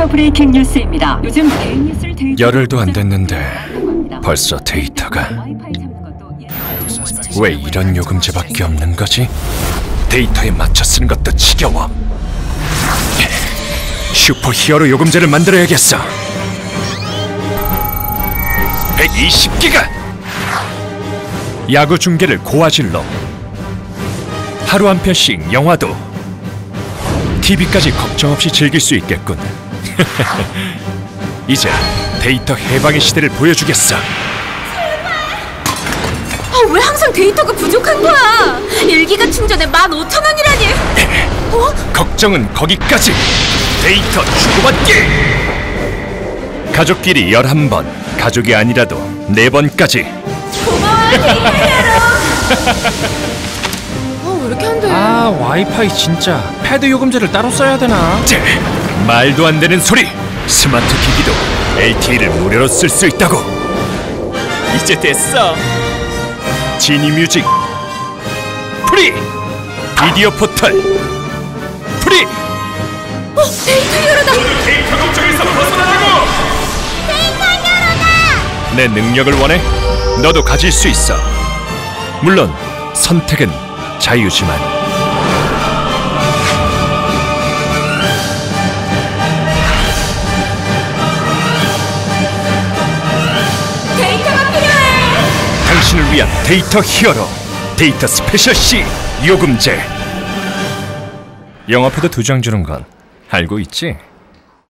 데이터 브레이킹 뉴스입니다. 요즘 개인 뉴스를 열흘도 안 됐는데 벌써 데이터가 왜 이런 요금제밖에 없는 거지? 데이터에 맞춰 쓰는 것도 지겨워. 슈퍼 히어로 요금제를 만들어야겠어. 120기가! 야구 중계를 고화질로, 하루 한 편씩 영화도, TV까지 걱정 없이 즐길 수 있겠군. 이제 데이터 해방의 시대를 보여주겠어. 왜 항상 데이터가 부족한 거야? 1기가 충전에 15,000원이라니. 걱정은 거기까지. 데이터 주고받기. 가족끼리 11번, 가족이 아니라도 4번까지. 고마워요, 데이터 히어로. 왜 이렇게 안 돼? 와이파이 진짜. 패드 요금제를 따로 써야 되나? 말도 안 되는 소리. 스마트 기기도 LTE를 무료로 쓸 수 있다고. 이제 됐어. 지니뮤직 프리! 비디오 포털 프리! 데이터 히어로다! 데이터 걱정에서 벗어나라고! 데이터 히어로다! 내 능력을 원해? 너도 가질 수 있어. 물론 선택은 자유지만. 데이터가 필요해! 당신을 위한 데이터 히어로, 데이터 스페셜 C 요금제. 영화표도 2장 주는 건 알고 있지?